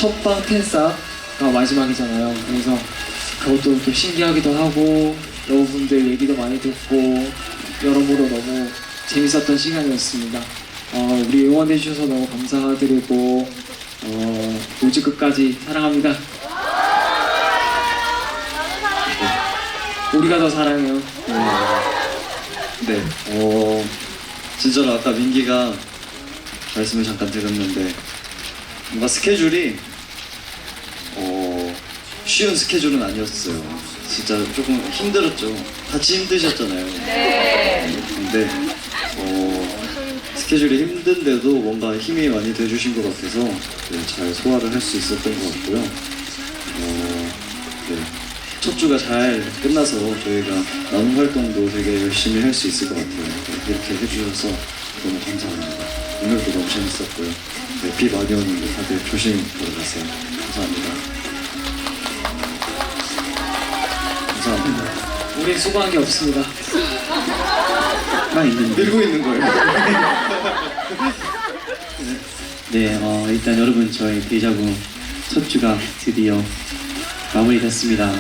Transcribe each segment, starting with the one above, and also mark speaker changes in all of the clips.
Speaker 1: 첫방 팬싸가 마지막이잖아요. 그래서 그것도 또 신기하기도 하고 여러분들 얘기도 많이 듣고 여러모로 너무 재밌었던 시간이었습니다. 우리 응원해주셔서 너무 감사드리고 오직 끝까지 사랑합니다. 우리가 더 사랑해요.
Speaker 2: 네, 진짜로 아까 민기가 말씀을 잠깐 들었는데 뭔가 스케줄이 쉬운 스케줄은 아니었어요. 진짜 조금 힘들었죠. 같이 힘드셨잖아요. 네. 근데 스케줄이 힘든데도 뭔가 힘이 많이 돼주신 것 같아서 네, 잘 소화를 할 수 있었던 것 같고요. 네. 첫 주가 잘 끝나서 저희가 남은 활동도 되게 열심히 할 수 있을 것 같아요. 네, 이렇게 해주셔서 너무 감사합니다. 오늘도 너무 재밌었고요. 네, 비 많이 오는데 다들 조심히 걸어가세요. 감사합니다. 감사합니다.
Speaker 1: 우린 수고한 게 없습니다.
Speaker 3: 나 있는데.
Speaker 2: 밀고 있는 거예요.
Speaker 3: 네, 일단 여러분 저희 데자부 첫 주가 드디어 마무리됐습니다.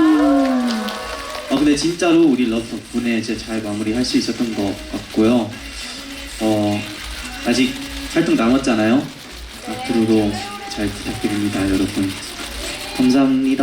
Speaker 3: 근데 진짜로 우리 러브 덕분에 이제 잘 마무리할 수 있었던 것 같고요. 아직 활동 남았잖아요. 앞으로도 잘 부탁드립니다, 여러분. 감사합니다.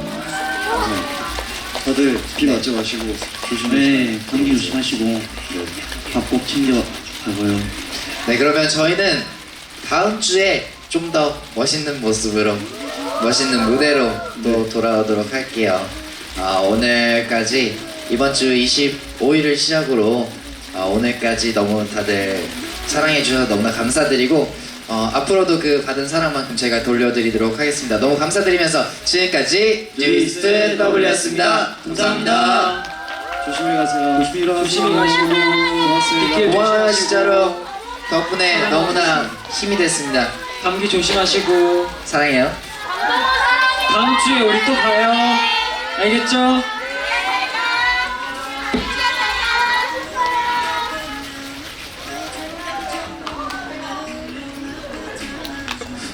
Speaker 2: 다들 비 맞지 마시고 조심히.
Speaker 3: 네, 감기 조심하시고 밥 꼭 챙겨 먹어요.
Speaker 4: 네, 그러면 저희는 다음 주에 좀 더 멋있는 모습으로, 멋있는 무대로 또 돌아오도록 할게요. 오늘까지 이번 주 25일을 시작으로 오늘까지 너무 다들 사랑해 주셔서 너무나 감사드리고 앞으로도 그 받은 사랑만큼 제가 돌려드리도록 하겠습니다. 너무 감사드리면서 지금까지 뉴이스트 W였습니다. 감사합니다.
Speaker 2: 조심히 가세요.
Speaker 1: 조심히 가시고 고맙습니다.
Speaker 4: 고마워요, 진짜로. 덕분에 너무나 힘이 됐습니다.
Speaker 1: 감기 조심하시고
Speaker 4: 사랑해요.
Speaker 1: 다음 주에 우리 또 봐요. 알겠죠?